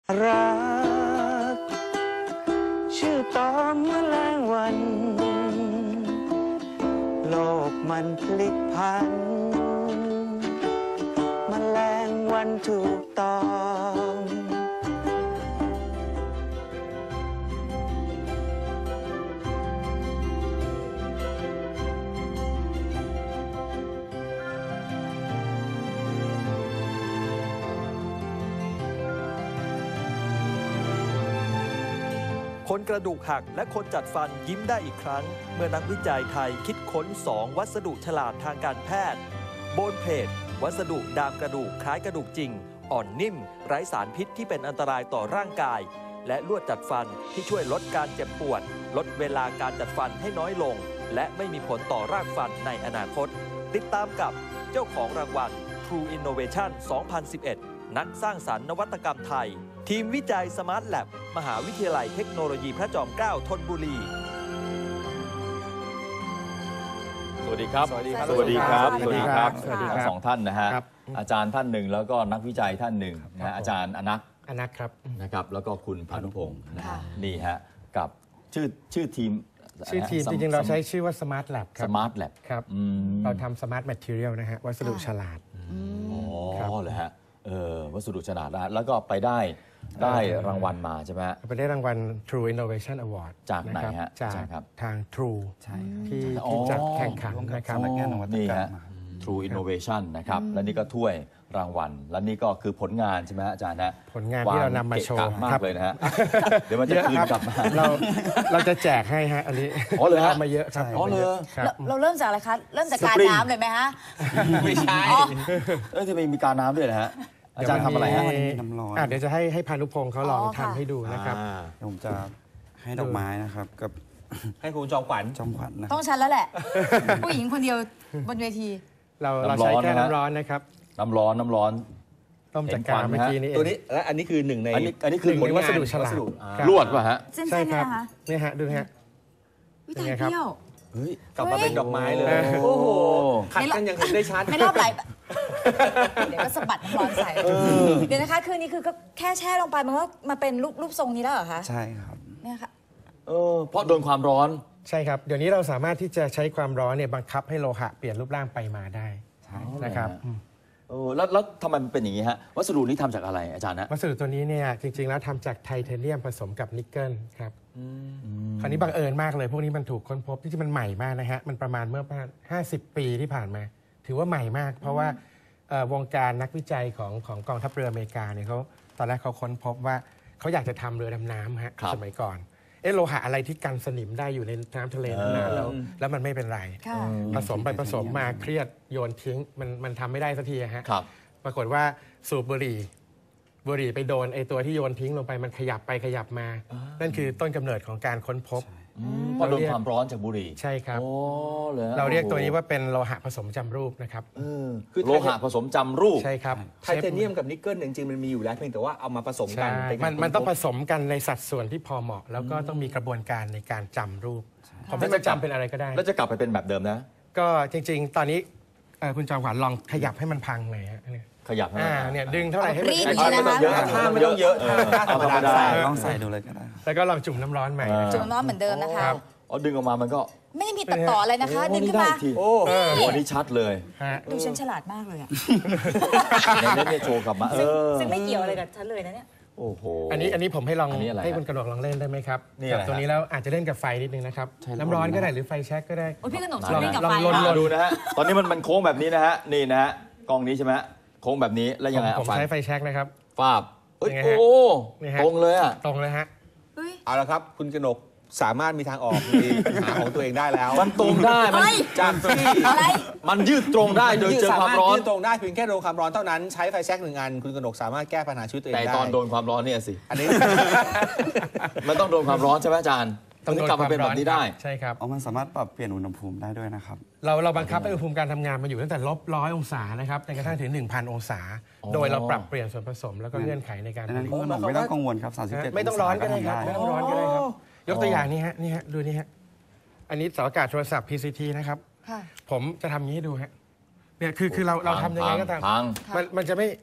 รักชื่อตอมแมลงวัน โลกมันพลิกพันแมลงวันถูกตอมคนกระดูกหักและคนจัดฟันยิ้มได้อีกครั้งเมื่อนักวิจัยไทยคิดค้น2วัสดุฉลาดทางการแพทย์โบนเพดวัสดุดามกระดูกคล้ายกระดูกจริงอ่อนนิ่มไร้สารพิษที่เป็นอันตรายต่อร่างกายและลวดจัดฟันที่ช่วยลดการเจ็บปวดลดเวลาการจัดฟันให้น้อยลงและไม่มีผลต่อรากฟันในอนาคตติดตามกับเจ้าของรางวัล True Innovation 2011 นักสร้างสรรค์นวัตกรรมไทยทีมวิจัย Smart Lab มหาวิทยาลัยเทคโนโลยีพระจอมเกล้าธนบุรีสวัสดีครับสวัสดีครับ สวัสดีครับสวัสดีครับทั้งสองท่านนะฮะครับอาจารย์ท่านหนึ่งแล้วก็นักวิจัยท่านหนึ่งนะฮะอาจารย์อนักอนักครับนะครับแล้วก็คุณพานุพงศ์นะฮะค่ะนี่ฮะกับชื่อทีมชื่อทีมจริงๆเราใช้ชื่อว่า Smart Lab คสรับมาร์ทแลบครับ เราทำ Smart Material นะฮะวัสดุฉลาดอ๋ครับอเหรอฮะวัสดุฉลาดนะแล้วก็ไปได้รางวัลมาใช่ไหมฮะไปได้รางวัล True Innovation Award จากไหนนะครับฮะจากใช่ครับทาง True ที่อ๋อที่จัดแข่งขันร่วมกับนะครับสำนักงานนวัตกรรมนี่ฮะ True Innovation นะครับและนี่ก็ถ้วยรางวัลและนี่ก็คือผลงานใช่ไหมฮะอาจารย์นะผลงานที่เรานำมาโชว์เกะกะมาครักบเลยนะฮะเดี๋ยวมันจะคืนกลับมาเราจะแจกให้ฮะอันนี้อ๋อเหรอฮะามาเยอะครับอ๋อเหรอครับเราเริ่มจากอะไรคะ เริ่มจากการสปริงน้ำเลยไหมฮะไม่ใช่จะมีการน้ำด้วยนะฮะอาจารย์ทำอะไรฮะเดี๋ยวน้ำร้อนเดี๋ยวจะให้พานุพงศ์เขาลองอ๋อค่ะทำให้ดูนะครับเดี๋ยวผมจะให้ดอกไม้นะครับ กับให้คุณจอมขวัญจอมขวัญนะคต้รัอบ งฉันแล้วแหละ ผู้หญิงคนเดียวบนเวทีเราใช้แค่น้ำร้อนนะครับน้ำร้อนต้มจากกาเมื่อกี้นี้เองตัวนี้และอันนี้คือหนึ่งในอันนี้คือหนึ่งผลในงานวัสดุฉลาด ครับลวดป่ะฮะเส้นใช่ๆคเนี่รัยบนะคะนี่ฮะดูฮะวิตายเป็นไงครับเที่ยวเฮ้ยกลับมาเป็นดอกไม้เลยเฮ้ยโอ้โหขัดกันยังเห็นได้ชัดไม่รอบไหลเดี๋ยวก็สะบัดน้ำร้อนใส่เดี๋ยวนะคะคืนนี้คือก็แค่แช่ลงไปมันก็มาเป็นรูปทรงนี้แล้วเหรอคะใช่ครับเนี่ยค่ะเพราะโดนความร้อนใช่ครับ เดี๋ยวนี้เราสามารถที่จะใช้ความร้อนเนี่ยบังคับให้โลหะเปลี่ยนรูปร่างไปมาได้ใช่นะครับแล้วทำไมมันเป็นอย่างนี้ฮะวัสดุนี้ทำจากอะไรอาจารย์นะวัสดุตัวนี้เนี่ยจริงๆแล้วทำจากไทเทเนียมผสมกับนิกเกิลครับคราวนี้บังเอิญมากเลยพวกนี้มันถูกค้นพบที่มันใหม่มากนะฮะมันประมาณเมื่อประมาณ50 ปีที่ผ่านมา ถือว่าใหม่มาก เพราะว่าวงการนักวิจัยของกองทัพเรืออเมริกาเนี่ยเขาตอนแรกเขาค้นพบว่าเขาอยากจะทำเรือดำน้ำฮะสมัยก่อนโลหะอะไรที่กันสนิมได้อยู่ในน้ำทะเลนานๆแล้วมันไม่เป็นไรค่ะผสมไปผสมมาเครียดโยนทิ้งมันทำไม่ได้สักทีฮะครับปรากฏว่าสูบบุหรี่ไปโดนไอตัวที่โยนทิ้งลงไปมันขยับไปขยับมา นั่นคือต้นกำเนิดของการค้นพบเพราะโดนความร้อนจากบุหรี่ใช่ครับโอ้เลยเราเรียกตัวนี้ว่าเป็นโลหะผสมจำรูปนะครับคือโลหะผสมจำรูปใช่ครับไทเทเนียมกับนิกเกิลจริงๆมันมีอยู่แล้วเพียงแต่ว่าเอามาผสมกัใช่นเป็นมันต้องผสมกันในสัดส่วนที่พอเหมาะ แล้วก็ต้องมีกระบวนการในการจำรูปผมไม่จำเป็นอะไรก็ได้แล้วจะกลับไปเป็นแบบเดิมนะก็จริงๆ ตอนนี้คุณจอมขวัญลองขยับให้มันพังหน่อยฮะเนี่ยขยับให้เนี่ยดึงเท่าไหร่ให้มันรีดไอ้อย่างนี้ท่านะคะไม่ต้องเยอะท่าธรรมดาลองใส่ดูเลยก็ได้ครับแล้วก็ลองจุ่มน้ำร้อนใหม่นะจุ่มน้ำเหมือนเดิมนะคะเอาดึงออกมามันก็ไม่ได้มีตัดต่ออะไรนะคะ ดึงขึ้นมาโอ้โหอันนี้ชัดเลยฮะดูฉันฉลาดมากเลยอะในเน็ตเนี่ยโชว์กลับมาซึ่งไม่เกี่ยวอะไรกับฉันเลยนะเนี่ยโอ้โหอันนี้ผมให้ลองอันนี้อะไรให้คุณกระหนกลองเล่นได้ไหมครับนี่อะไรกับตัวนี้แล้วอาจจะเล่นกับไฟนิดนึงนะครับ น้ำร้อนก็ได้หรือไฟแช็กก็ได้โอ้ยพี่ขนมชอบเล่นกับไฟลองค่ะดูนะฮะ ตอนนี้มันโค้งแบบนี้นะฮะ นี่นะฮะ กล้องนี้ใช่ไหมฮะโค้งแบบนี้ แล้วยังไงผเอามฟันใช้ไฟแช็กนะครับฟาบเอ้ยยังไงฮะโอ้นี่ฮะตรงเลยอ่ะตรงเลยฮะเฮ้ยเอาละครับ คุณกนกสามารถมีทางออกในปัญหาของตัวเองได้แล้วมันตรงได้มันเฮ้ยจากที่อะไรมันยืดตรงได้โดยเจอความร้อนยืดตรงได้เพียงแค่โดนความร้อนเท่านั้นใช้ไฟแช็ก1 อันคุณกนกสามารถแก้ปัญหาชีวิตตัวเองแต่ได้ตอนโดนความร้อนเนี่ยสิอันนี้มันต้องโดนความร้อนใช่ไหมอาจารย์ถึงกลับมาเป็นแบบนี้ได้ใช่ครับเอามันสามารถปรับเปลี่ยนอุณหภูมิได้ด้วยนะครับเราบังคับให้อุณหภูมิการทำงานมันอยู่ตั้งแต่-100 องศานะครับจนกระทั่งถึง 1,000 องศา โดยเราปรับเปลี่ยนส่วนผสมแล้วก็เงื่อนไขในการดังผนั้นลิตคุณหนกไม่ต้องกังวลครับ 37 ไม่ต้องร้อนก็ได้ครับองศาไม่ต้องร้อนก็ได้ครับ ยกตัวอย่างนี้ฮะนี่ฮะดูนี่ฮะอันนี้เสาอากาศโทรศัพท์ PCT นะครับค่ะผมจะทำอย่างนี้ให้ดูฮะเนี่ยคือเราทำยังไงก็ตามพังมันจะไม่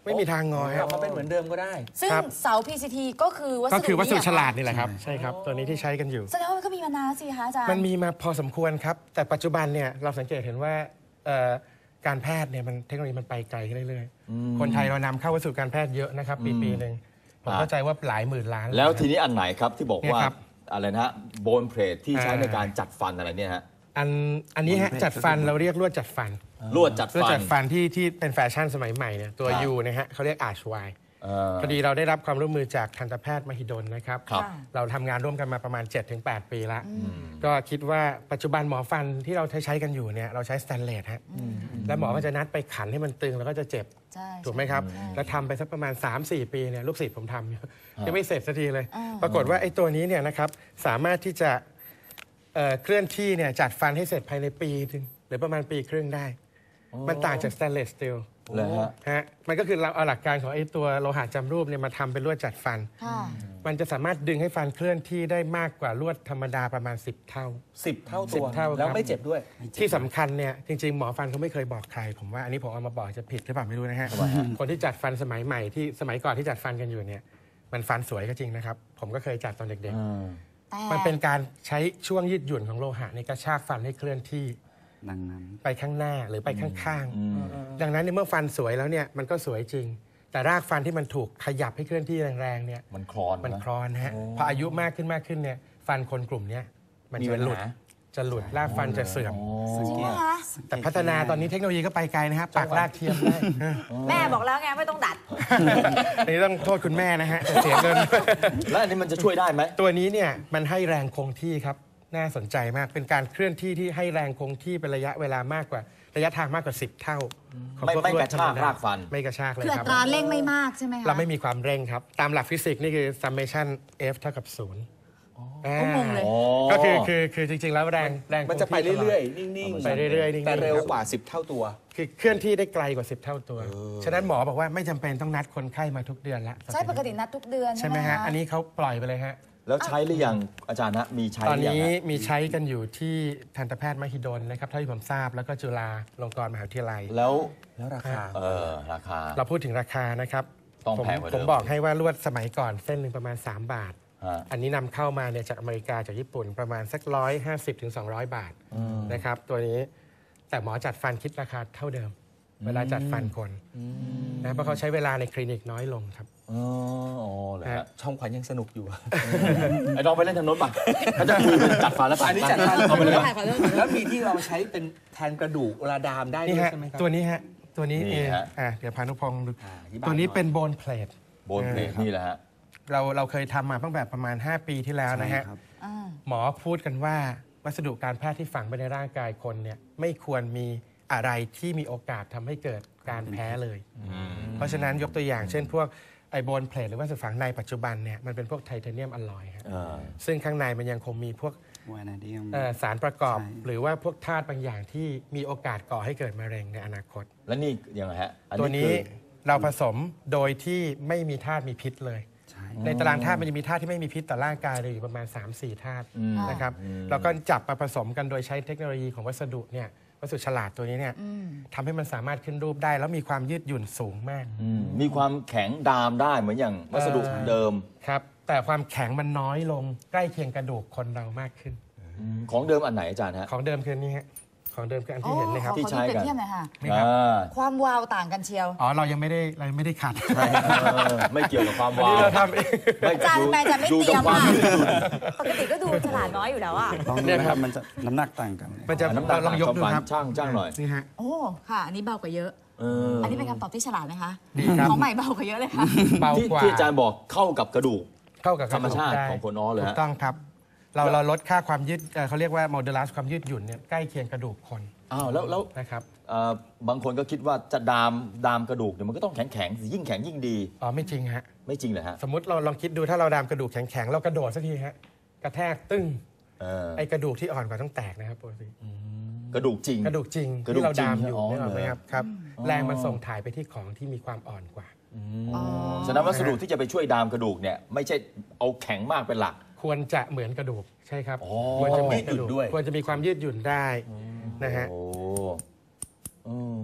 ไม่มีทางงอกลัฮะบมาเป็นเหมือนเดิมก็ได้ซึ่งครับเสา PCT ก็คือวัสดุก็คือวัสดุนี้ฉเหรอคะลาดนี่แหละครับใช่ครับตัวนี้ที่ใช้กันอยู่แสดงว่ามันก็มีมานานสิคะอาจารย์มันมีมาพอสมควรครับ แต่ปัจจุบันเนี่ยเราสังเกตเห็นว่าการแพทย์เนี่ยมันเทคโนโลยีมันไปไกลขึ้นเรื่อยๆ คนไทยเรานำเข้าวัสดุการแพทย์เยอะนะครับปีหนึ่งผมเข้าใจว่าหลายหมื่นล้านแล้วทีนี้อันไหนครับที่บอกว่าเนี่ยครับอะไรนะฮะโบนเพลทที่ใช้ในการจัดฟันอะไรเนี่ยฮะอันนี้ฮะจัดฟันเราเรียกลวดจัดฟันลวดจัดลวดฟันจัดฟันที่เป็นแฟชั่นสมัยใหม่เนี่ยตัวครับยูนะฮะเขาเรียกอาร์ชไวาพอดีเราได้รับความร่วมมือจากทันตแพทย์มหิดลนะครับครับเราทำงานร่วมกันมาประมาณ 7-8 ปีแล้ว ก็คิดว่าปัจจุบันหมอฟันที่เราใช้กันอยู่เนี่ยเราใช้สแตนเลสฮะแล้วหมอก็จะนัดไปขันให้มันตึงแล้วก็จะเจ็บใช่ถูกไหมครับ แล้วทำไปสักประมาณ 3-4 ปีเนี่ยลูกศิษย์ผมทำอยู่ยังไม่เสร็จสักทีเลย ปรากฏว่าไอ้ตัวนี้เนี่ยนะครับสามารถที่จะเคลื่อนที่เนี่ยจัดฟันให้เสร็จภายในปีนึงหรือประมาณปีครึ่งได้ มันต่างจากสแตนเลสสตีลเลยฮะฮะมันก็คือเราเอาหลักการของไอ้ตัวโลหะจำรูปเนี่ยมาทำเป็นลวดจัดฟันค่ะมันจะสามารถดึงให้ฟันเคลื่อนที่ได้มากกว่าลวดธรรมดาประมาณ 10 เท่า 10 เท่าตัว 10 เท่าครับแล้วไม่เจ็บด้วยที่สำคัญเนี่ยจริงๆ หมอฟันเขาไม่เคยบอกใคร ผมว่าอันนี้ผมเอามาบอกจะผิดหรือเปล่าไม่รู้นะฮะคนที่จัดฟันสมัยใหม่ที่สมัยก่อนที่จัดฟันกันอยู่เนี่ยมันฟันสวยก็จริงนะครับ ผมก็เคยจัดตอนเด็กแต่ๆ มันเป็นการใช้ช่วงยืดหยุ่นของโลหะในกระชากฟันให้เคลื่อนที่ดังนั้นไปข้างหน้าหรือไปข้างๆ ดังนั้นในเมื่อฟันสวยแล้วเนี่ยมันก็สวยจริง แต่รากฟันที่มันถูกขยับให้เคลื่อนที่แรงๆเนี่ยมันคลอนมันนะคลอนฮะพออายุมากขึ้นเนี่ยฟันคนกลุ่มเนี้ยมันมีจะปัญหลุดหารากฟันจะเสื่อมจริงไหมคะแต่พัฒนาตอนนี้เทคโนโลยีก็ไปไกลนะฮะปากรากเทียมได้แม่บอกแล้วไงไม่ต้องดัดอันนี้ต้องโทษคุณแม่นะฮะจะเสียเงินแล้วอันนี้มันจะช่วยได้ไหมตัวนี้เนี่ยมันให้แรงคงที่ครับน่าสนใจมากเป็นการเคลื่อนที่ที่ให้แรงคงที่เป็นระยะเวลามากกว่าระยะทางมากกว่า 10 เท่าของพวไม่ลวดกระชากธมดรากฟันไม่กระชากเลยคืออัครับตราเร่งไม่มากใช่ไหมคะเราไม่มีความเร่งครับ ตามหลักฟิสิกส์นี่คือ summation f เท่ากับ0 ก็งงเลยก็คือจริงๆแล้วแรงมันจะไปเรื่อยๆ นิ่งๆไปเรื่อยๆนิ่งๆแต่เร็วครับกว่า 10 เท่าตัวคือเคลื่อนที่ได้ไกลกว่า 10 เท่าตัว ฉะนั้นหมอบอกว่าไม่จำเป็นต้องนัดคนไข้มาทุกเดือนละใช่ปกตินัดทุกเดือนใช่ไหมฮะคอันนี้เขาปล่อยไปเลยฮะแล้วใช้หรือยังอาจารย์ฮะมีใช้ตอนหรือยังนี้ฮะมีใช้กันอยู่ที่ทันตแพทย์มหิดลนะครับเท่าที่ผมทราบแล้วก็จุฬาลงกรณ์มหาวิทยาลัยแล้วแล้วราคาราคาเราพูดถึงราคานะครับต้องผมแพงกว่าเดิมผมบอกให้ว่าลวดสมัยก่อนเส้นหนึ่งประมาณ 3 บาทฮะอันนี้นำเข้ามาเนี่ยจากอเมริกาจากญี่ปุ่นประมาณสัก150-200 บาทนะครับตัวนี้แต่หมอจัดฟันคิดราคาเท่าเดิม เวลาจัดฟันคนนะเพราะเขาใช้เวลาในคลินิกน้อยลงครับอ๋อเลยฮะช่องขวัญยังสนุกอยู่ไอ้น้องไปเล่นทางโน้นป่ะเขาจะคุยเป็นจัดฟันแล้วป่ะอันนี้จัดฟันเอาไปเลยป่ะแล้วมีที่เราใช้เป็นแทนกระดูกเวลาดามได้ด้นี่วยฮะใช่ไหมครับตัวนี้ฮะตัวนี้นี่เองฮะเดี๋ยวพานุพงศ์ดูอธิบายตัวนี้หน่อยเป็นโบนเพลทโบนเพลทนี่แหละฮะเราเคยทำมาตั้งแต่ประมาณ 5 ปีที่แล้วนะฮะใช่ครับหมอพูดกันว่าวัสดุการแพทย์ที่ฝังไปในร่างกายคนเนี่ยไม่ควรมีอะไรที่มีโอกาสทำให้เกิดการแพ้เลย เพราะฉะนั้นยกตัวอย่างเช่นพวกไอโบนเพลทหรือว่าวัสดุฝังในปัจจุบันเนี่ยมันเป็นพวกไทเทเนียมอลลอยฮะซึ่งข้างในมันยังคงมีพวกวานาเดียมสารประกอบใช่หรือว่าพวกธาตุบางอย่างที่มีโอกาสก่อให้เกิดมะเร็งในอนาคตแล้วนี่ยังไงฮะอัตัวนี้คือเราผสมโดยที่ไม่มีธาตุมีพิษเลยใช่ในตารางธาตุมันจะมีธาตุที่ไม่มีพิษต่อร่างกายเลยอยู่ประมาณ 3-4 ธาตุนะครับแล้วก็จับมาผสมกันโดยใช้เทคโนโลยีของวัสดุเนี่ยวัสดุฉลาดตัวนี้เนี่ยทำให้มันสามารถขึ้นรูปได้ แล้วมีความยืดหยุ่นสูงมากมีความแข็งดามได้เหมือนอย่างวัสดุเดิมครับแต่ความแข็งมันน้อยลงใกล้เคียงกระดูกคนเรามากขึ้นของเดิมอันไหนอาจารย์ฮะของเดิมคือนี่ฮะของเดิมคืออันที่เห็นนะครับที่ใช้กันขอดูเปรียบเทียบหน่อยค่ะนี่ครับความวาวต่างกันเชียวอ๋อเรายังไม่ได้ขัดไม่เกี่ยวกับความอันวานี้วเราทำเองอาจารย์ทำไมอาจารย์ไม่ดูเตรีกัยบมความอ่ะยืดหยุ่นปกติก็ดูฉลาดน้อยอยู่แล้วอ่ะลองดูนะครับมันจะน้ำหนักต่างกันมันจะน้ำตาลลองยกดูครับช่างหน่อยนี่ฮะโอ้ค่ะ อันนี้เบากว่าเยอะ อันนี้เป็นคำตอบที่ฉลาดไหมคะดีครับของใหม่เบากว่าเยอะเลยค่ะเบาที่กว่าที่อาจารย์บอกเข้ากับกระดูกเข้ากับธรรมชาติกะดูกได้ของคนอ้อเลยฮะถูกต้องครับ เราลดค่าความยืดเขาเรียกว่าโมเดลัสความยืดหยุ่นเนี่ยใกล้เคียงกระดูกคนอ้าวแล้วนะครับบางคนก็คิดว่าจะดามกระดูกเนี่ยมันก็ต้องแข็งยิ่งแข็งยิ่งดีอ๋อไม่จริงฮะไม่จริงเหรอฮะสมมติเราลองคิดดูถ้าเราดามกระดูกแข็งๆเรากระโดดสักทีฮะกระแทกตึ้ง ไอ้กระดูกที่อ่อนกว่าต้องแตกนะครับปกติกระดูกจริงกระดูกจริงกระดูกที่เราดามอยู่จริงนี่หรอกไหมเหรอครับครับ แรงมันส่งถ่ายไปที่ของที่มีความอ่อนกว่าฉะนั้นวัสดุที่จะไปช่วยดามกระดูกเนี่ยไม่ใช่เอาแข็งมากเป็นหลักควรจะเหมือนกระดูกใช่ครับอ๋อควรจะเหมือนกระดูกยืดหยุ่นด้วยควรจะมีความยืดหยุ่นได้นะฮะโอ้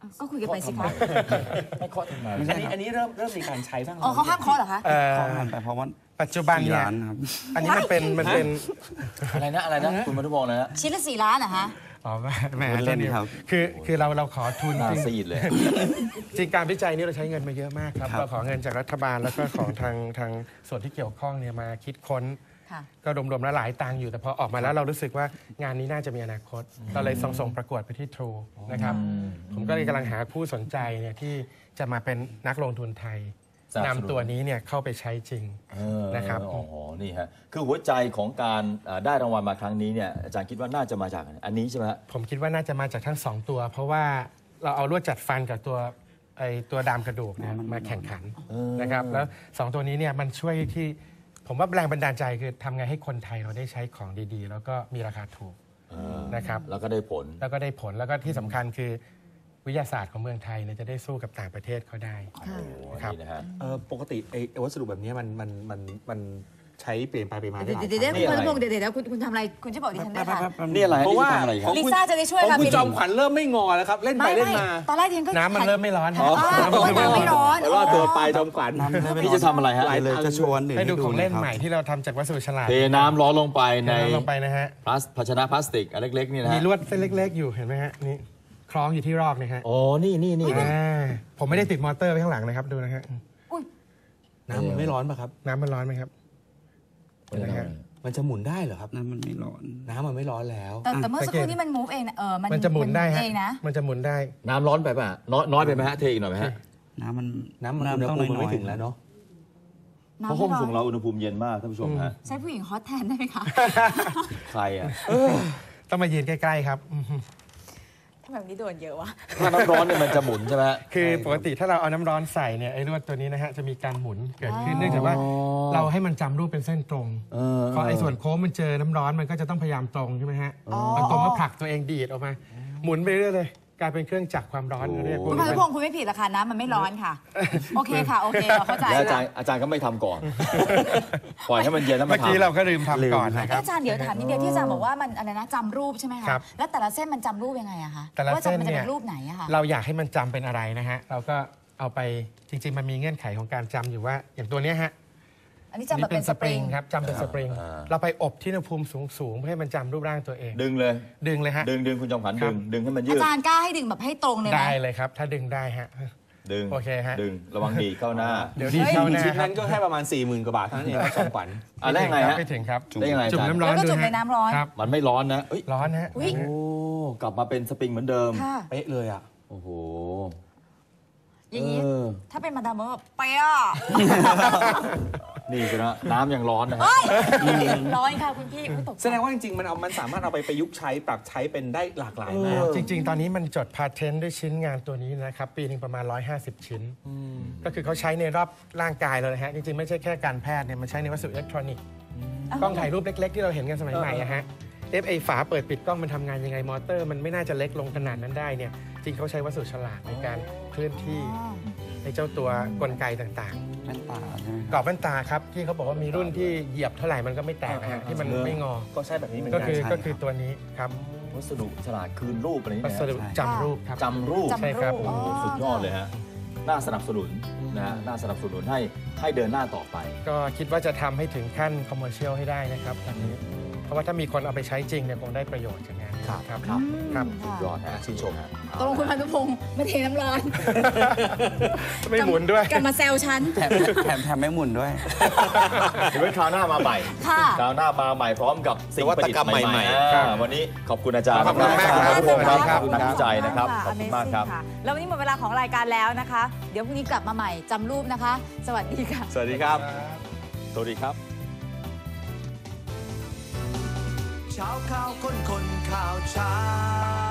ก็คุยกันไปสิคะไม่เคาะทำไมไม่ใช่อันนี้เริ่มมีการใช้บ้างอ๋อเขาห้ามเคาะเหรอคะขอผ่านไปเพราะว่าปัจจุบัน 4 เนี่ยล้านครับอันนี้มันเป็นอะไรนะคุณมาทุบอกนะฮะชิ้นละ4 ล้านเหรอคะอ๋อแหมเล่นดีครับคือเราขอทุนหน้าจริงซีดเลยจริงการวิจัยนี้เราใช้เงินมาเยอะมากครับครับเราขอเงินจากรัฐบาลแล้วก็ของทางส่วนที่เกี่ยวข้องเนี่ยมาคิดค้นค่ะก็รวมๆแล้วหลายตังค์อยู่แต่พอออกมาแล้วเรารู้สึกว่างานนี้น่าจะมีอนาคต เราเลยส่งประกวดไปที่ True นะครับผมก็เลยกำลังหาผู้สนใจเนี่ยที่จะมาเป็นนักลงทุนไทยสนับสนุนนำตัวนี้เนี่ยเข้าไปใช้จริง นะครับอ๋อนี่ฮะคือหัวใจของการได้รางวัลมาครั้งนี้เนี่ยอาจารย์คิดว่าน่าจะมาจากอันนี้ใช่ไหมฮะผมคิดว่าน่าจะมาจากทั้ง 2 ตัว เพราะว่าเราเอาลวดจัดฟันกับตัวดามกระดูกเนี่ยมาแข่งขันนะครับแล้ว 2 ตัวนี้เนี่ยมันช่วยที่ผมว่าแรงบันดาลใจคือทำไงให้คนไทยเราได้ใช้ของดีๆ แล้วก็มีราคาถูกนะครับแล้วก็ได้ผลแล้วก็ได้ผลแล้วก็ที่สำคัญคือวิทยาศาสตร์ของเมืองไทยเนี่ยจะได้สู้กับต่างประเทศเขาได้ ครับนี่นะฮะปกติไอ้วัสดุแบบนี้มันใช้เปลี่ยนไปมาได้หลายเดี๋ยวครั้งคุณพานุพงศ์เดี๋ยวคุณทำอะไรคุณช่วยบอกดิฉันด้วยค่ะนี่อะไรเพราะว่านี่ทำอะไรครับลิซ่าจะได้ช่วยของค่ะคุณพี่จอมขวัญเริ่มไม่งอแล้วครับ เล่นไปเล่นมาตอนแรกดิฉันก็น้ำมันเริ่มไม่ร้อนอ๋อน้ำไม่ร้อนรอดตัวไปจอมขวัญน้ำเลยไม่พี่จะทำอะไรฮะเลยจะชวนให้ดูของเล่นครับใหม่ที่เราทำจากวัสดุฉลาดเทน้ำร้อนลงไปในลงไปนะฮะภาชนะพลาสติกอันเล็กๆนี่นะมีฮะลวดเส้นเล็ก ๆ อยู่เห็นไหมฮะนี่คล้องอยู่ที่รอกนะฮะโอ้นี่ผมไม่ได้ติดมอเตอร์ไว้ข้างหลังนะครับดูนะฮะน้ำมันไม่ร้อนป่ะครับน้ำมันร้อนไหมครับเห็นไหมฮะมันจะหมุนได้เหรอครับน้ำมันไม่ร้อนน้ำมันไม่ร้อนแล้วแต่เมื่อสักครู่นี้มัน move เองนะมันจะหมุนได้ฮะเองนะมันจะหมุนได้น้ำร้อนไปป่ะน้อยไปไหมฮะเทอีกหน่อยไหมฮะน้ำมันน้ำอุณหภูมิมันไม่ถึงแล้วเนาะเพราะห้องส่งเราอุณหภูมิเย็นมากท่านผู้ชมฮะใช้ผู้หญิงฮอตแทนได้ไหมคะใครอ่ะต้องมายืนใกล้ๆครับทำแบบนี้โดนเยอะวะถ้าน้ำร้อนเนี่ยมันจะหมุนใช่ไหมฮะคือปกติถ้าเราเอาน้ำร้อนใส่เนี่ยไอ้ลวดตัวนี้นะฮะจะมีการหมุนเกิดขึ้นเนื่องจากว่าเราให้มันจำรูปเป็นเส้นตรงพอไอ้ส่วนโค้งมันเจอน้ำร้อนมันก็จะต้องพยายามตรงใช่ไหมฮะมันตรงก็ผลักตัวเองดีดออกมา หมุนไปเรื่อยเลยกลายเป็นเครื่องจักรความร้อนเรียกคุณพานุพงศ์คุณไม่ผิดหรอกค่ะน้ำมันไม่ร้อนค่ะ โอเคค่ะ โอเคเราเข้าใจแล้วค่ะอาจารย์ก็ไม่ทำก่อน ปล่อยให้มันเย็นแล้วมาเมื่อกี้ทำเราก็ลืมทำก่อนนะคเอ๊ะรับอาจารย์เดี๋ยวถามนิดเดียวที่อาจารย์บอกว่ามันอะไรนะจำรูปใช่ไหมคะครับแล้วแต่ละเส้นมันจำรูปยังไงอะคะแต่ละว่าเส้นมันจะเนี่เป็ยนรูปไหนอะคะเราอยากให้มันจำเป็นอะไรนะฮะเราก็เอาไปจริง ๆ มันมีเงื่อนไขของการจำอยู่ว่าอย่างตัวเนี้ยฮะอันนี้จำแบบเป็นสปริงครับจำเป็นสปริงเราไปอบที่อุณหภูมิสูงๆเพื่อให้มันจำรูปร่างตัวเองดึงเลยดึงเลยฮะดึงคุณจอมขวัญครัดึบงให้มันยือาดจารย์กล้าให้ดึงแบบให้ตรงเลยไหมได้เลยครับ ถ้าดึงได้ฮะดึงโอเคฮะดึงระวังดีดเข้าหน้าเดี๋ยวดีเข้าหน้าชิ้นครันั้บนก็แค่ประมาณ 40,000 กว่าบาทเท่านั้นเองครับจอมขวัญได้ไงฮะไม่ถึงครับได้ยังไงอาจุ่มจารย์น้ำร้อนแล้วก็ดูจุ่มฮะในน้ำร้อนครับมันไม่ร้อนนะเอ้ยร้อนฮะอุ๊ยโอ้กลับมาเป็นสปริงเหมือนเดิมค่ะเป๊ะเลยอ่ะโอ้โหอย่างนี้เออถ้าเป็นมาดามแบบเป๊ะนี่สินะน้ำยังร้อนนะฮะเฮ้ยร้อนค่ะคุณพี่อุ๊ยตกใจแสดงว่าจริงๆมันสามารถเอาไปประยุกต์ใช้ปรับใช้เป็นได้หลากหลายมากจริง ๆ ตอนนี้มันจดพาเทนต์ด้วยชิ้นงานตัวนี้นะครับ ปีหนึ่งประมาณ 150 ชิ้น ก็คือเขาใช้ในรอบร่างกายเลยนะฮะ จริง ๆ ไม่ใช่แค่การแพทย์เนี่ยมันใช้ในวัสดุอิเล็กทรอนิกส์กล้องถ่ายรูปเล็ก ๆ ที่เราเห็นกันสมัยใหม่อะฮะไอฝาเปิดปิดกล้องมันทำงานยังไงมอเตอร์ มันไม่น่าจะเล็กลงขนาดนั้นได้เนี่ยจริงเขาใช้วัสดุฉลาดในการเคลื่อนที่ในเจ้าตัวกลไกต่างๆแว่นตาใช่ไหมกรอบแว่นตาครับที่เขาบอกว่ามีรุ่นที่เหยียบเท่าไหร่มันก็ไม่แตกนะฮะที่มันไม่งอก็ใช่แบบนี้เหมือนก็กันคือใช่ก็คือตัวนี้ครับวัสดุฉลาดคืนรูปอะไรนี่วันะสดุจำรูปครับจำรูปจำใช่ครับรูปโอ้โหสุดยอดเลยฮะ น่าสนับสนุนนะฮะ น่าสนับสนุนให้เดินหน้าต่อไปก็คิดว่าจะทำให้ถึงขั้นคอมเมอร์เชียลให้ได้นะครับอันนี้เพราะว่าถ้ามีคนเอาไปใช้จริงเนี่ยคงได้ประโยชน์จากงานนี้ครับครับค่ะยอดฮะชื่นชมฮะตกลงคุณพานุพงศ์ไม่เทน้ำร้อนไม่หมุนด้วยกลับมาแซวฉันแถมไม่หมุนด้วยเดี๋ยวไว้คราวหน้ามาใหม่ค่ะคราวหน้ามาใหม่พร้อมกับสิ่งประดิษฐ์ใหม่ๆครับวันนี้ขอบคุณอาจารย์ขอบคุณมากขอบคุณครับครับขอบคุณนักวิจัยนะครับ ขอบคุณมากครับ Amazing ะแล้ววันนี้หมดเวลาของรายการแล้วนะคะ เดี๋ยวพรุ่งนี้กลับมาใหม่จำรูปนะคะ สวัสดีค่ะสวัสดีครับ สวัสดีครับเช้าข่าวคนข่าวเช้า